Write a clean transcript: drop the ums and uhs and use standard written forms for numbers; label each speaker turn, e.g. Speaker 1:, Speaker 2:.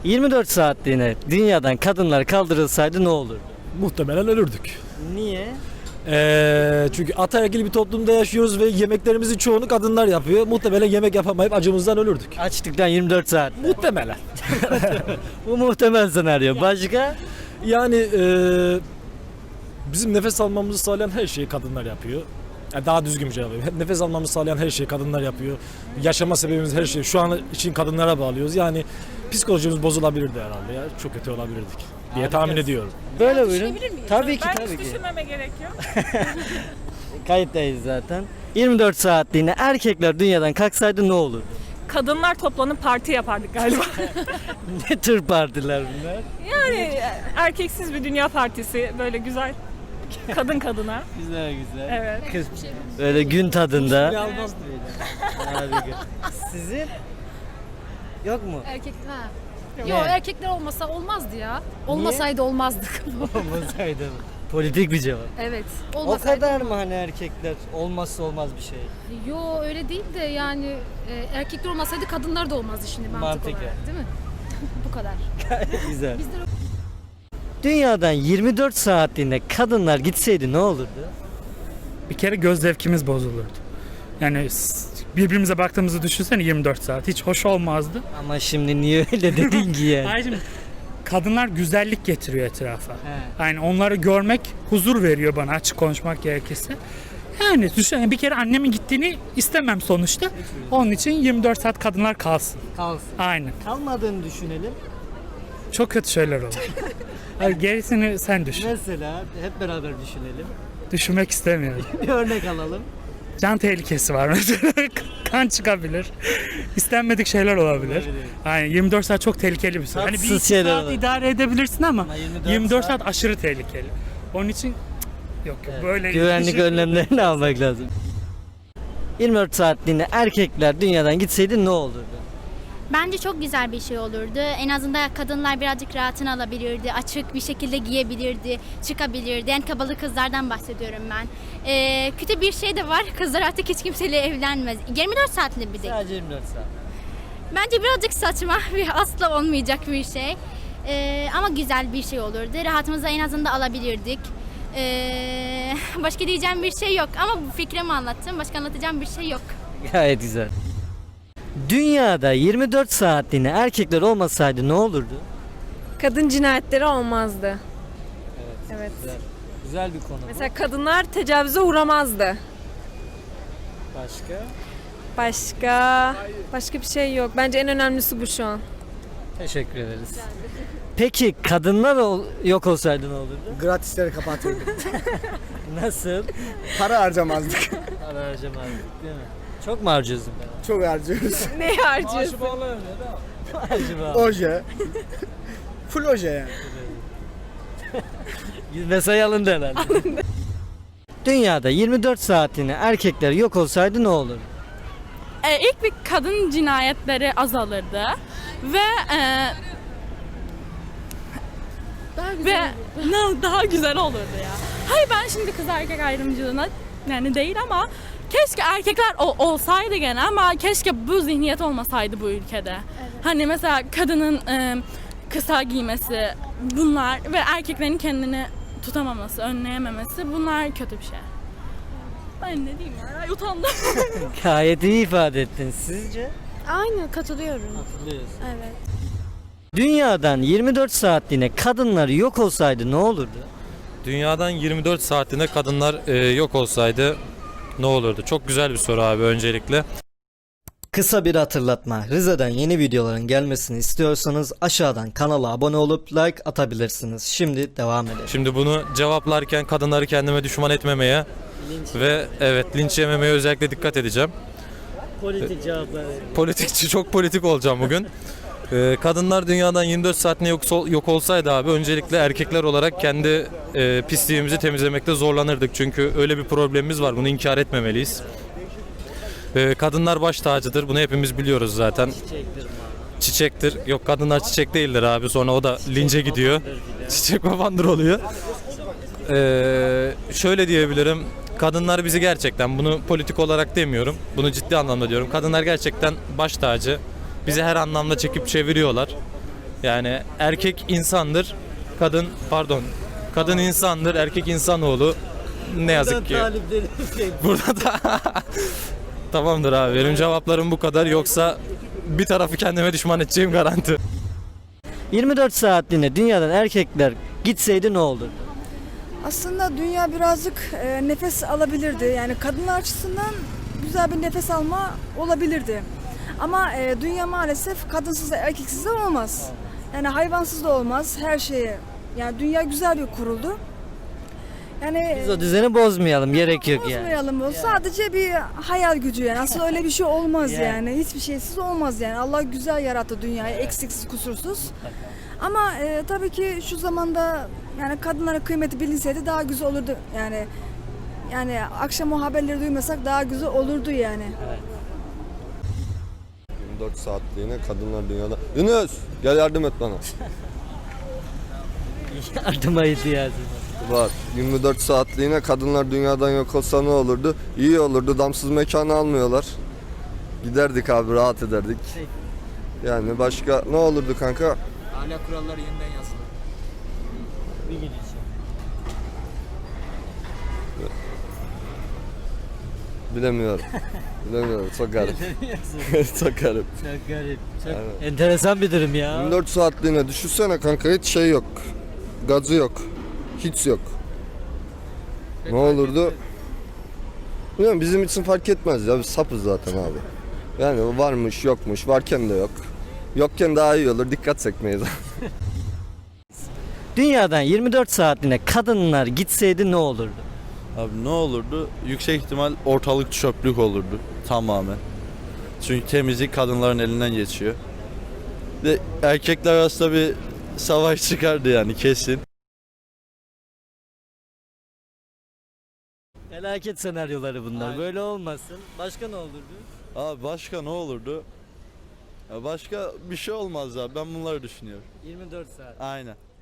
Speaker 1: 24 saatliğine dünyadan kadınlar kaldırılsaydı ne olurdu?
Speaker 2: Muhtemelen ölürdük.
Speaker 1: Niye?
Speaker 2: Çünkü ataerkil bir toplumda yaşıyoruz ve yemeklerimizin çoğunu kadınlar yapıyor. Muhtemelen yemek yapamayıp acımızdan ölürdük.
Speaker 1: Açlıktan 24 saat.
Speaker 2: Muhtemelen.
Speaker 1: Bu muhtemel senaryo. Başka?
Speaker 2: Yani bizim nefes almamızı sağlayan her şeyi kadınlar yapıyor. Yani daha düzgün bir cevap vereyim. Nefes almamızı sağlayan her şeyi kadınlar yapıyor. Yaşama sebebimiz her şey. Şu an için kadınlara bağlıyoruz. Yani psikolojimiz bozulabilirdi herhalde ya. Çok kötü olabilirdik diye tahmin ediyorum.
Speaker 1: Böyle buyurun. Tabii ki
Speaker 3: Ben
Speaker 1: tabii
Speaker 3: hiç
Speaker 1: ki.
Speaker 3: düşünmeme gerek yok.
Speaker 1: Kayıttayız zaten. 24 saatliğine erkekler dünyadan kalksaydı ne olurdu?
Speaker 3: Kadınlar toplanıp parti yapardık galiba.
Speaker 1: Ne tür partiler bunlar?
Speaker 3: Yani erkeksiz bir dünya partisi böyle güzel. Kadın kadına.
Speaker 1: Güzel güzel.
Speaker 3: Evet.
Speaker 1: Kız böyle gün tadında. Harika. Sizin? Yok mu?
Speaker 4: Erkekler ha.
Speaker 1: Yok.
Speaker 4: Yok erkekler olmasa olmazdı ya. Olmasaydı olmazdık.
Speaker 1: Olmasaydı mı? Politik bir cevap.
Speaker 4: Evet.
Speaker 1: O
Speaker 4: Olmasaydı.
Speaker 1: kadar mı hani erkekler olmazsa olmaz bir şey?
Speaker 4: Yo öyle değil de yani erkekler olmasaydı kadınlar da olmazdı şimdi mantık
Speaker 1: Mantıken.
Speaker 4: olarak değil mi? Bu kadar.
Speaker 1: Güzel.
Speaker 4: Bizde
Speaker 1: Dünyadan 24 saatliğine kadınlar gitseydi ne olurdu?
Speaker 5: Bir kere göz zevkimiz bozulurdu. Yani birbirimize baktığımızı düşünsene 24 saat. Hiç hoş olmazdı.
Speaker 1: Ama şimdi niye öyle dedin ki yani?
Speaker 5: Ayrıca kadınlar güzellik getiriyor etrafa.
Speaker 1: He.
Speaker 5: Yani onları görmek huzur veriyor bana açık konuşmak gerekirse. Yani düşün bir kere annemin gittiğini istemem sonuçta. Onun için 24 saat kadınlar kalsın.
Speaker 1: Kalsın.
Speaker 5: Aynen.
Speaker 1: Kalmadığını düşünelim.
Speaker 5: Çok kötü şeyler olur. Yani gerisini sen düşün.
Speaker 1: Mesela hep beraber düşünelim.
Speaker 5: Düşünmek istemiyorum.
Speaker 1: Bir örnek alalım.
Speaker 5: Can tehlikesi var mesela. Kan çıkabilir. İstenmedik şeyler olabilir.
Speaker 1: Olabilir.
Speaker 5: Yani 24 saat çok tehlikeli bir süre. Hani bir
Speaker 1: Tatsız
Speaker 5: iki
Speaker 1: şeyler
Speaker 5: saat
Speaker 1: olur.
Speaker 5: idare edebilirsin ama
Speaker 1: Ama
Speaker 5: 24 saat aşırı tehlikeli. Onun için yok böyle
Speaker 1: Güvenlik önlemlerini almak lazım. 24 saatliğine erkekler dünyadan gitseydi ne olurdu?
Speaker 6: Bence çok güzel bir şey olurdu. En azından kadınlar birazcık rahatını alabilirdi. Açık bir şekilde giyebilirdi, çıkabilirdi. En kabalı kızlardan bahsediyorum ben. Kötü bir şey de var. Kızlar artık hiç kimseyle evlenmez. 24 saatli bir de.
Speaker 1: Sadece 24 saat.
Speaker 6: Bence birazcık saçma ve asla olmayacak bir şey. Ama güzel bir şey olurdu. Rahatımızı en azından alabilirdik. Başka diyeceğim bir şey yok. Ama bu fikrimi anlattım. Başka anlatacağım bir şey yok.
Speaker 1: Gayet güzel. Dünyada 24 saatliğine erkekler olmasaydı ne olurdu?
Speaker 7: Kadın cinayetleri olmazdı. Evet.
Speaker 1: Güzel, güzel bir konu bu.
Speaker 7: Mesela kadınlar tecavüze uğramazdı. Başka bir şey yok. Bence en önemlisi bu şu an.
Speaker 1: Teşekkür ederiz. Peki kadınlar yok olsaydı ne olurdu?
Speaker 8: Gratisleri kapatırdık.
Speaker 1: Nasıl?
Speaker 8: Para harcamazdık.
Speaker 1: Para harcamazdık değil mi? Çok mu harcıyorsun ben?
Speaker 8: Çok harcıyoruz.
Speaker 7: Ne harcıyorsun?
Speaker 1: Acaba?
Speaker 8: Oje. Full oje yani.
Speaker 1: Mesai alındı herhalde. Dünyada 24 saatliğine erkekler yok olsaydı ne olurdu?
Speaker 3: İlk bir kadın cinayetleri azalırdı ve daha güzel olurdu ya. Hayır ben şimdi kız erkek ayrımcılığına yani değil ama keşke erkekler olsaydı gene ama keşke bu zihniyet olmasaydı bu ülkede. Hani mesela kadının kısa giymesi bunlar ve erkeklerin kendini tutamaması, önleyememesi bunlar kötü bir şey. Ben ne diyeyim ya utandım.
Speaker 1: Gayet iyi ifade ettin. Sizce?
Speaker 7: Aynı katılıyorum.
Speaker 1: Hatırlıyorsun.
Speaker 7: Evet.
Speaker 1: Dünyadan 24 saatliğine kadınlar yok olsaydı ne olurdu?
Speaker 9: Dünyadan 24 saatinde kadınlar yok olsaydı ne olurdu? Çok güzel bir soru abi öncelikle.
Speaker 1: Kısa bir hatırlatma. Rize'den yeni videoların gelmesini istiyorsanız aşağıdan kanala abone olup like atabilirsiniz. Şimdi devam edelim.
Speaker 9: Şimdi bunu cevaplarken kadınları kendime düşman etmemeye ve evet linç yememeye özellikle dikkat edeceğim.
Speaker 1: Politik cevaplar.
Speaker 9: Politikçi çok politik olacağım bugün. Kadınlar dünyadan 24 saatine yok olsaydı abi öncelikle erkekler olarak kendi pisliğimizi temizlemekte zorlanırdık. Çünkü öyle bir problemimiz var. Bunu inkar etmemeliyiz. Kadınlar baş tacıdır. Bunu hepimiz biliyoruz zaten. Çiçektir. Yok kadınlar çiçek değildir abi. Sonra o da lince gidiyor. Çiçek babandır oluyor. Şöyle diyebilirim. Kadınlar bizi gerçekten bunu politik olarak demiyorum. Bunu ciddi anlamda diyorum. Kadınlar gerçekten baş tacı. Bizi her anlamda çekip çeviriyorlar. Yani erkek insandır, kadın insandır, erkek insanoğlu. Ne yazık ki. Burada da tamamdır abi. Benim cevaplarım bu kadar. Yoksa bir tarafı kendime düşman edeceğim garanti.
Speaker 1: 24 saatliğine dünyadan erkekler gitseydi ne olurdu?
Speaker 10: Aslında dünya birazcık nefes alabilirdi. Yani kadınlar açısından güzel bir nefes alma olabilirdi. Ama dünya maalesef kadınsız da erkeksiz de olmaz. Yani hayvansız da olmaz her şeye. Yani dünya güzel bir kuruldu. Yani
Speaker 1: Biz o düzeni bozmayalım, gerek yok yani.
Speaker 10: bozmayalım o. Sadece bir hayal gücü yani. Aslında öyle bir şey olmaz yani. Hiçbir şeysiz olmaz yani. Allah güzel yarattı dünyayı, eksiksiz, kusursuz. Ama tabii ki şu zamanda yani kadınların kıymeti bilinseydi daha güzel olurdu yani. Yani akşam o haberleri duymasak daha güzel olurdu yani.
Speaker 11: 24 saatliğine kadınlar dünyada... Yunus gel yardım et bana.
Speaker 1: Yardıma ihtiyacım var.
Speaker 11: Var. 24 saatliğine kadınlar dünyadan yok olsa ne olurdu? İyi olurdu. Damsız mekanı almıyorlar. Giderdik abi, rahat ederdik. Yani başka ne olurdu kanka?
Speaker 8: Ahlak kuralları yeniden yazılır.
Speaker 1: Bir gün için.
Speaker 11: Bilemiyorum. Bilemiyorum. Çok garip. Çok garip.
Speaker 1: Çok garip. Çok
Speaker 11: Aynen.
Speaker 1: enteresan bir durum ya.
Speaker 11: 24 saatliğine düşünsene kanka, hiç şey yok. Gazı yok. Hiç yok. Ne olurdu? Bilmiyorum, bizim için fark etmez ya. Biz sapız zaten abi. Yani varmış yokmuş. Varken de yok. Yokken daha iyi olur. Dikkat çekmeyiz.
Speaker 1: Dünyadan 24 saatliğine kadınlar gitseydi ne olurdu?
Speaker 12: Abi ne olurdu? Yüksek ihtimal ortalık çöplük olurdu tamamen. Çünkü temizlik kadınların elinden geçiyor. Ve erkekler arasında bir savaş çıkardı yani kesin.
Speaker 1: Felaket senaryoları bunlar.
Speaker 12: Aynen.
Speaker 1: Böyle olmasın. Başka ne olurdu?
Speaker 12: Abi başka ne olurdu? Ya başka bir şey olmaz ya, ben bunları düşünüyorum.
Speaker 1: 24 saat.
Speaker 12: Aynen.